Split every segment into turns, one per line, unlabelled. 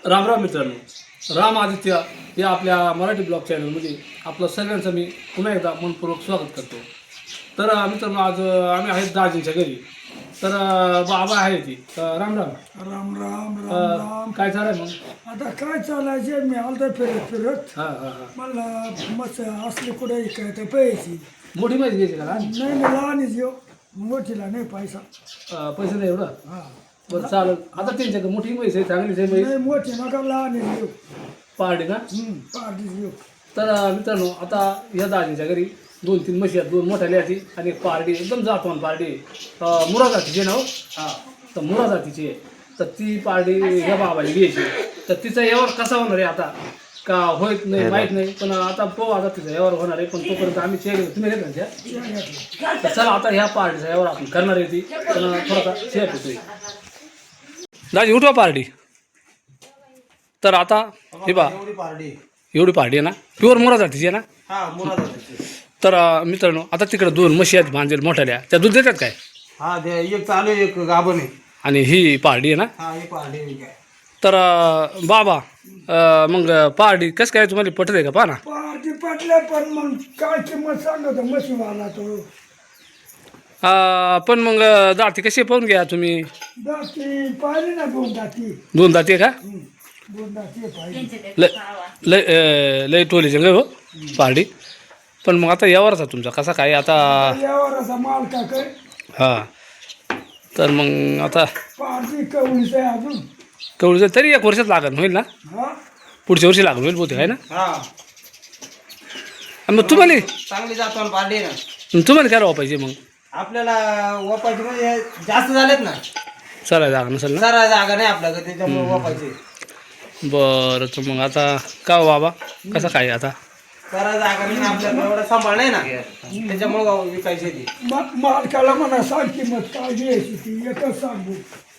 रामराम मित्रांनो, राम आदित्य या आपल्या मराठी ब्लॉग चॅनलमध्ये आपलं सगळ्यांचं मी पुन्हा एकदा मनपूर्वक स्वागत करतो. तर मित्रांनो, आज आम्ही आहेत दाजींच्या घरी. तर बाबा आहे ती. राम राम.
राम राम राम राम.
काय चालू मग?
आता काय चालायचे, मी आलतो फिरत फिरत.
हां हां हां.
मला मस्त असले कुठे काय तर पैसे
मोठी माहिती घ्यायची का?
नाही, मी लहानच येऊ, मोठीला नाही पैसा.
पैसे नाही एवढं.
हा
बरं चालेल. आता त्यांच्याकडे मोठी म्हैस आहे, चांगलीच आहे म्हैस.
नाही, मोठी नका, लहानच येऊ.
पार्टी ना.
पार्टीच येऊ.
तर मित्रांनो, आता या दाजींच्या घरी 2-3 म्हशी आहेत, 2 मोठ्या लेहाती आणि एक पार्टी, एकदम जातवान पार्टी. मुरा जातीची आहे ना हो. तर मुरा जातीची आहे. तर ती पार्टी ह्या बाबाला घ्यायची. तर तिचा यावर कसा होणार आहे आता का होत नाही माहीत नाही, पण आता पाहू आता तिचा यावर होणार आहे. पण तोपर्यंत आम्ही चेक तुम्ही घेत ना. तर चला आता ह्या पार्टीचा यावर आपण करणार आहे ती. पण थोडासा शेअर होतोय. दाजी उठवा पार्टी. तर आता हे बा एवढी पार्टी आहे ना, प्युअर मुरा जातीची आहे ना. तर मित्रांनो, आता तिकडे 2 म्हशी आहेत भांजेल मोठ्याल्या, त्या दूध देतात काय?
हा, एक चालू आहे, एक गाभण आहे.
आणि ही पार्टी आहे ना.
हा, ही पार्टी आहे काय.
तर बाबा, मग पार्टी कसं काय तुम्हाला पटत आहे का? पहा ना.
पार्टी पटले, पण मग काय किंमत सांगतो मशीवाला तो.
पण मग दाती कशी पाहून घ्या तुम्ही.
दाती पाहिली ना, 2 दाती.
2 दाती आहे का?
2 दाती पाहिली.
लय लय टोलीचे ग हो पार्टी. पण मग आता यावरच आहे तुमचा कसा काय आता.
यावर असा माल का काय.
हां. तर मग आता
पार्टी कवळीच आहे अजून.
तेवढं तरी 1 वर्षात लागण होईल ना.
हा,
पुढच्या वर्षी लागण होईल बहुतेक आहे ना.
हा,
आणि मग तुम्हाला
चांगली जातो पार्टी आहे ना.
तुम्हाला काय राहा पाहिजे मग.
आपल्याला वापायचे म्हणजे जास्त झालेत ना,
चला जागा नसेल ना.
जरा जागा नाही आपल्याकडे, त्याच्यामुळे वापायचे.
बरं. तर मग आता का हो बाबा, कसं काय आता.
जरा जागा नाही ना आपल्याला, एवढा सांभाळ नाही ना, त्याच्यामुळे विकायचे ती.
मालकाला म्हणा सांग किंमत काय घ्यायची ती, एकच सांगू.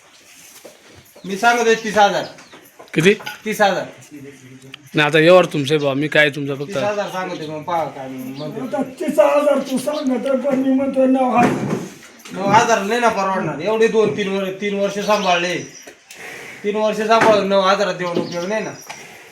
मी सांगतोय 30,000.
किती?
30,000.
नाही आता यावर तुमचे बा, मी काय तुमचं फक्त
30,000 सांगतोय. मग पहा काय म्हणते.
आता 30,000 तू सांगत, पण मी म्हणतो 9,000.
9,000 नाही ना परवडणार. एवढे 2-3 वर्ष सांभाळले. 3 वर्ष सांभाळून 9,000 देऊन उपयोग नाही ना.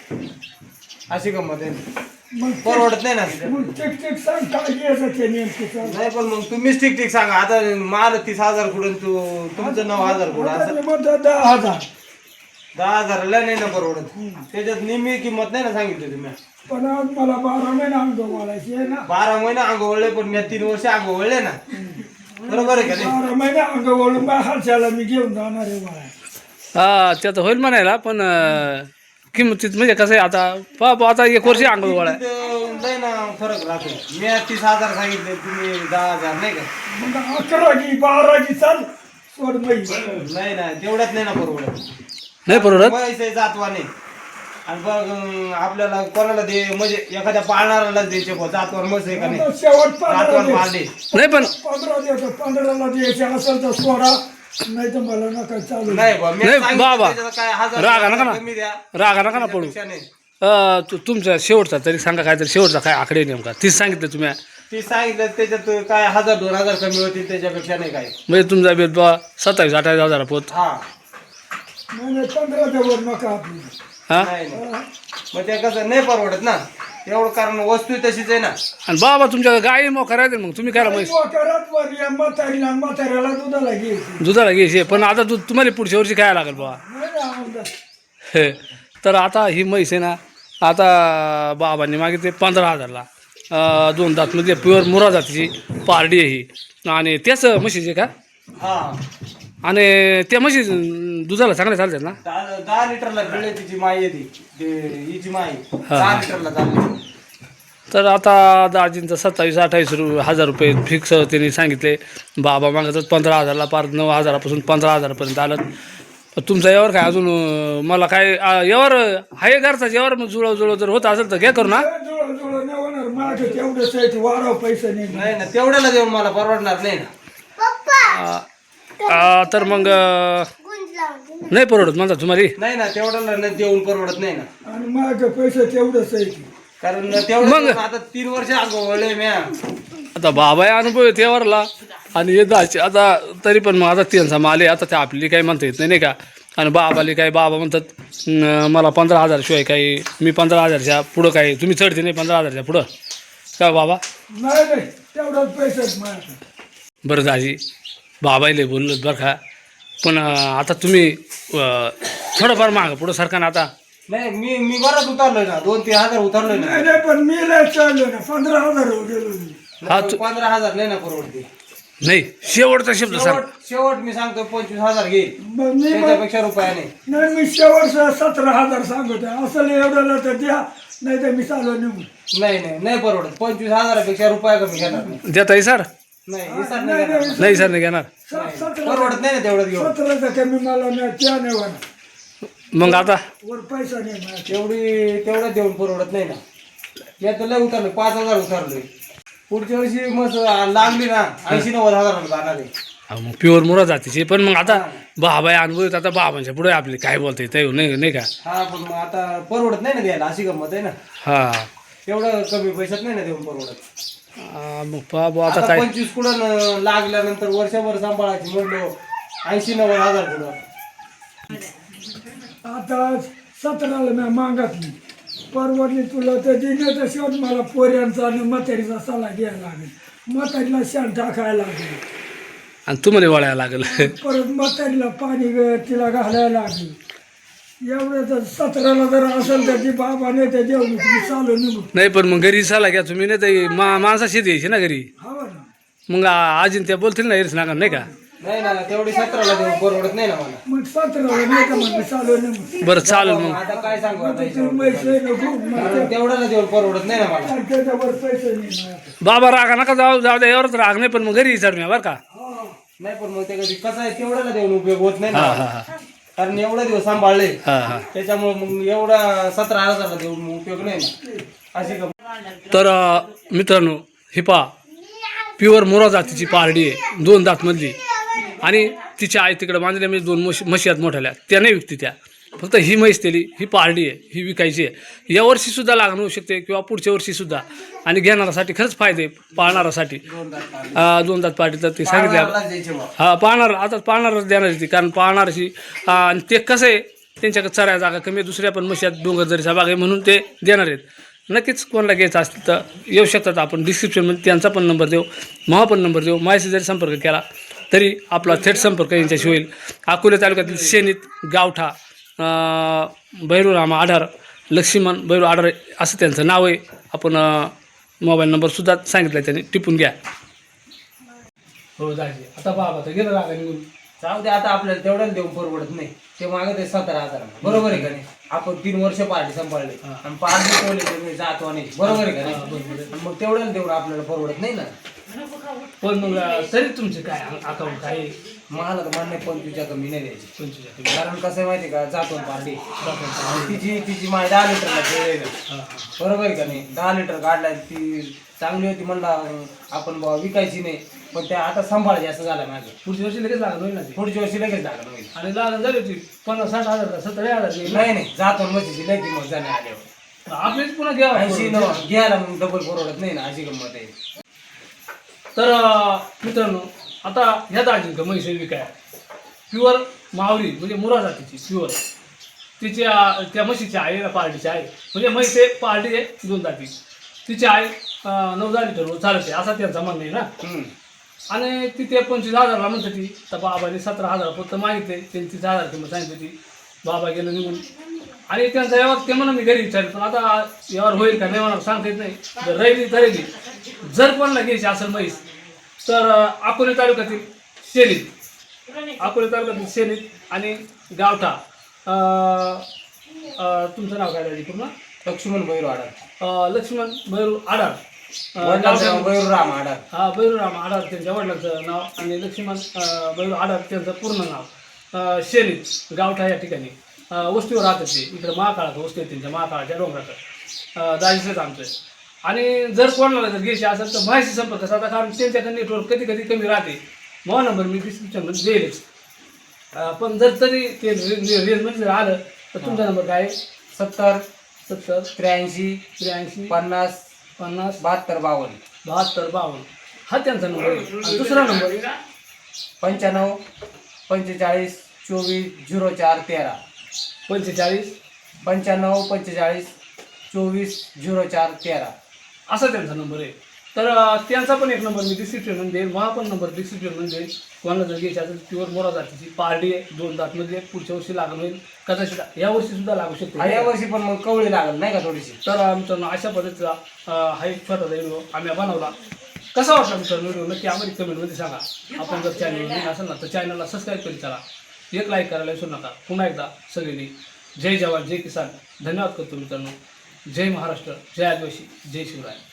अशी गंमत आहे,
मग
परवडत नाही ना.
मग ठीक सांग काय घ्यायचं ते नेमकी सांग.
नाही, पण मग तुम्हीच ठीक सांगा. आता माल 30,000 कुठून, तुमचं 9,000 कुठं.
आता
असं
मी म्हणतो 10,000.
10,000ला नाही ना परवडत. त्याच्यात निम्मी किंमत नाही ना सांगितली तुम्ही.
पण आज मला 12 महिने अंग वाढायची आहे ना.
12 महिने अंग वळले, पण मी 3 वर्ष अंग वळले ना. बरोबर आहे का नाही.
12 महिने अंग वळून बा हालच्याला मी घेऊन जाणार आहे मला.
हा ते आता होईल म्हणायला, पण किंमतीत म्हणजे कसं आहे आता पहा आता 1 वर्ष अंग गोळा आहे.
तिथं नाही ना फरक राहतो. मी 30,000 सांगितले, तुम्ही 10,000 नाही का.
मग 11 की 12 की चाल सोड बाई.
नाही ना, तेवढ्यात नाही ना परवडत.
नाही परवडत.
पैसे जातवाने. आणि बघ आपल्याला कोणाला दे, म्हणजे एखाद्या पाळणाऱ्याला द्यायचे जातवान मस्त आहे का नाही.
आता शेवट 15
जातवान
दे.
पाळले.
नाही पण
15 देतो. 15ला द्यायचे असेल तर सोडा, नाही तर मला नका चालू.
नाही बा, मी
नाही
सांगितलं
बाबा.
त्याच्यात काय 1000
रागा नका ना.
कमी द्या.
रागा नका ना पडू.
त्यापेक्षा नाही.
तुमचा शेवटचा तरी सांगा काय तरी, शेवटचा काय आकडे नेमका 30 सांगितलं तुम्ही.
ती सांगितलं त्याच्यात काय 1000-2,000 कमी होतील, त्याच्यापेक्षा नाही काय.
म्हणजे तुमचा बेत बा 27-28 हजार पोत.
हा,
नाही 15च्या वर नका आपली.
हा.
नाही नाही. मग ते कसं नाही परवडत ना एवढं, कारण वस्तू तशीच आहे ना.
आणि बाबा तुमच्या गाई मग करायचं, मग तुम्ही करा म्हैस.
करत वर या म्हातारीला, म्हाताऱ्याला दुधाला घ्यायची.
दुधाला घ्यायचे, पण आता दूध तुम्हाला पुढच्या वर्षी खायला लागेल बाबा.
नाही ना आमदार.
हे तर आता ही म्हैस आहे ना, आता बाबांनी मागितले 15,000ला. 2 दातमध्ये प्युअर मुरा जातीची पारडी आहे ही. आणि त्याच म्हशीचे का?
हा,
आणि त्या म्हशी दुधाला चांगल्या चालतात ना.
10 लिटरला पिळे तिची माई येते. हिची माई 10 लिटरला चालली.
तर आता दाजींचं 27-28 हजार रुपये फिक्स त्यांनी सांगितले. बाबा मागतात 15,000ला, पार 9,000पासून 15,000पर्यंत आलं. तुमचा यावर काय अजून मला काय यावर आहे घरचा यावर मग जुळव जर होत असेल तर घ्या करू ना.
जुळव नाही होणार. माझं तेवढंच आहे, ते वाढव पैसे नाही.
नाही ना, तेवढ्याला देऊन मला परवडणार नाही ना.
तर मग नाही परवडत म्हणता तुम्हाला.
नाही ना, तेवढ्याला नाही देऊन परवडत नाही ना.
आणि माझं पैसे तेवढंच आहे की.
कारण तेवढं
मग?
आता 3 वर्ष अगोवले म्या.
आता बाबा अनुभव आहे त्यावरला. आणि हे दाचे आता तरी पण मग आता त्यांचा माल आहे, आता ते आपली काही म्हणता येत नाही नाही का. आणि बाबाले काय बाबा म्हणतात मला 15,000 शिवाय काही मी 15,000च्या पुढं काय तुम्ही चढते नाही 15,000च्या पुढं काय बाबा
नाही नाही तेवढंच पैसे आहेत माझ्याकडे.
बरं दाजी बाबाईले बोललो बरं का पण आता तुम्ही थोडंफार मागं पुढं सरकारनं आता
नाही मी बराच उतरलोय ना 2-3 हजार उतरलोय ना.
नाही नाही पण मी लय चाललो ना 15,000 हो गेलो मी.
हा,
15,000 नाही ना परवडते.
नाही शेवटचा शब्द सर
शेवट मी सांगतो 25,000 घेईल
मग मी
त्याच्यापेक्षा रुपया नाही.
नाही मी शेवट 17,000 सांगतो असं एवढं तर द्या नाही तर मी चालू निघून.
नाही परवडत. 25,000पेक्षा रुपया कमी घेणार नाही.
देताय सर
नाही हे सर नाही घेणार.
नाही सर नाही घेणार
परवडत नाही ना तेवढं घेऊन.
17चा कमी मला नाही त्या नाही होणार
मग आता
वर पैसा नाही माझ्याकडे.
तेवढं देऊन परवडत नाही ना. यात लय उतरलोय 5,000 उतरलोय. पुढच्या वर्षी मग लागली ना 80-90 जाणार आहे.
अहो, मग प्युअर मुरा जातीचे पण मग आता बाबाई अनुभव येत आता बाबांच्या पुढे आपले काय बोलते ते नाही का
हा पण मग आता परवडत नाही ना द्यायला अशी गंमत आहे ना.
हा
तेवढं कमी पैशात नाही ना देऊन परवडत.
मग बाबा आता
आता
काय
25 कुठं लागल्यानंतर वर्षभर सांभाळायची म्हणलो 80-90 कुठं.
आता 17ला मी मागातली परवडली तुला तर दिलं तर शेवट मला पोऱ्यांचा आणि म्हातारीचा सल्ला घ्यायला लागेल. म्हातारीला शेण टाकायला लागेल
आणि तुम्हाला वळायला लागेल
परत म्हातारीला पाणी तिला घालायला लागेल. एवढं तर 17ला जर असेल तर ती बाबा नाही तर देऊ तुम्ही चालू निघू.
नाही पण मग घरी सल्ला घ्या तुम्ही नाही तर माणसाशी द्यायची ना घरी
हवा ना
मग आजीन त्या बोलतील ना हेच नाका नाही का
नाही ना तेवढी 17ला देऊन परवडत नाही ना मला.
मग 17ला नाही तर मग चालू निघू.
बरं चालेल मग
आता काय सांगू आता
तुम्ही पैसे नको मग
तेवढ्याला देऊन परवडत नाही ना मला.
त्याच्यावर पैसे नाही माझ्याकडे.
बाबा रागा नका जाऊ जाऊ द्या एवढंच राग नाही पण मग घरी चढ बरं का
हा.
नाही पण मग ते कधी कसं आहे तेवढ्याला देऊन उपयोग होत नाही
हा
ना.
हा हा
कारण एवढे दिवस सांभाळले
हा हा
त्याच्यामुळे मग एवढा 17,000ला देऊन उपयोग नाही ना अशी गंमत.
तर मित्रांनो ही पा प्युअर मोरा जातीची पारडी आहे 2 दातमधली आणि तिच्या आई तिकडे बांधल्या म्हणजे 2 म्हशी आहेत मोठ्याल्या त्या नाही विकती त्या फक्त ही म्हैस दिली ही पारडी आहे ही विकायची आहे या वर्षीसुद्धा लागण होऊ शकते किंवा पुढच्या वर्षीसुद्धा आणि घेणारासाठी खरंच फायदे पाळणारासाठी 2 दात पार्टी तर ते सांगितले
द्यायचे मग.
हा पाळणार आता पाळणारच देणार ती कारण पाळणारशी आणि ते कसं आहे त्यांच्याकडे चराया जागा कमी आहे दुसऱ्या पण म्हशी आहेत डोंगरदरीचा भाग आहे म्हणून ते देणार आहेत. नक्कीच कोणाला घ्यायचं असतील तर येऊ शकतात आपण डिस्क्रिप्शनमध्ये त्यांचा पण नंबर देऊ महा पण नंबर देऊ माझ्याशी जरी संपर्क केला तरी आपला थेट संपर्क यांच्याशी होईल. अकोले तालुक्यातील शेनीत गावठा भैरूरामा आढार लक्ष्मण भैरू आढार असं त्यांचं नाव आहे. आपण मोबाईल नंबरसुद्धा सांगितला त्यांनी टिपून घ्या. हो दाजी आता बाबा तर गेलं रागा निघून
जाऊ दे आता आपल्याला तेवढ्याला देऊन परवडत नाही. ते मागत आहे 17,000 बरोबर आहे का नाही. आपण 3 वर्ष पार्टी सांभाळले आणि पार्टी ठेवले जातो आणि बरोबर आहे का नाही. आणि मग तेवढ्याला देऊन आपल्याला परवडत नाही ना.
पण मग तरी तुमचे काय अकाउंट काय
मला तर म्हणणे 25च्या कमी नाही द्यायची.
25
कारण कसं आहे माहिती आहे का जातो पार्टी तिची माय 10 लिटरला ठेवलेलं. बरोबर आहे का नाही. 10 लिटर काढला ती चांगली होती म्हणला आपण विकायची नाही पण त्या आता सांभाळायची असं झालं माझं.
पुढच्या वर्षी लगेच लागत होईल ना ते
पुढच्या वर्षी लगेच लागलं होईल.
आणि लागण झाली होती 50-60 हजार 70,000
नाही जातो म्हशीची लय किंमत जाणे आल्यावर
आपलीच पुन्हा घ्यावा
80 घ्यायला मग डबल परवडत नाही ना अशी गंमत आहे.
तर मित्रांनो आता ह्या दाजींचं म्हैस विकाय प्युअर मावरी म्हणजे मुरा जातीची प्युअर तिच्या त्या म्हशीची आई पार्टीची आहे म्हणजे म्हैस आहे पार्टी आहे 2 दाती तिची आई 9-10 लिटर चालते असा त्यांचा म्हणणं आहे ना. आणि ती ते 25,000ला म्हणत होती तर बाबाने 17,000 फक्त मागितले त्यांनी 30,000 किंमत सांगितली होती. बाबा गेलं निघून आणि त्यांचा व्यवहार ते म्हणून मी घरी विचारलं पण आता व्यवहार होईल का नाही म्हणा सांगता येत नाही. जर राहिली जर कोणाला घ्यायची असेल म्हैस तर अकोले तालुक्यातील शेनीत आणि गावठा तुमचं नाव काय पूर्ण
लक्ष्मण भैरू आडार
लक्ष्मण भैरू आडार
भैरूराम आडार
हा भैरूराम आडार त्यांच्या वडिलांचं नाव आणि लक्ष्मण भैरू आडार त्यांचं पूर्ण नाव शेनीत गावठा या ठिकाणी वस्तीवर राहतात ते इकडं महाकाळाचं वस्ती आहे त्यांच्या महाकाळाच्या डोंगराचं दाजीचंच आमचं. आणि जर कोणाला जर घ्यायची असेल तर माहिती संपर्क साधा कारण त्यांच्याकडे नेटवर्क कधी कधी कमी राहते. मग नंबर मी डिस्क्रिप्शनमध्ये देईलच पण जर तरी ते रेंजमध्ये जर आलं तर तुमचा नंबर काय आहे
70
83
50
72 52 हा त्यांचा नंबर आहे. आणि दुसरा नंबर
95 45 240413
45
95 45 240413
असा त्यांचा नंबर आहे. तर त्यांचा पण एक नंबर मी डिस्क्रिप्शनमध्ये देईल, मला पण नंबर डिस्क्रिप्शनमध्ये देईल. कोणाला जर घ्यायची असेल प्युअर मोरा जातीची पारडी आहे, 2 दातमध्ये पुढच्या वर्षी लागण होईल, कदाचित या वर्षी सुद्धा लागू शकते.
या वर्षी पण मग कवळी लागल नाही का थोडीशी.
तर आमचं अशा पद्धतीचा हा एक छोटा व्हिडिओ आम्ही बनवला. कसा वाटला मित्रांनो व्हिडिओ नक्की आम्हाला कमेंटमध्ये सांगा. आपण जर चॅनल नवीन असेल ना तर चॅनलला सबस्क्राईब करीत चला, एक लाईक करायला विसरू नका. पुन्हा एकदा सगळ्यांनी जय जवान जय किसान धन्यवाद करतो मित्रांनो. जय महाराष्ट्र, जय आदिवासी, जय शिवराय.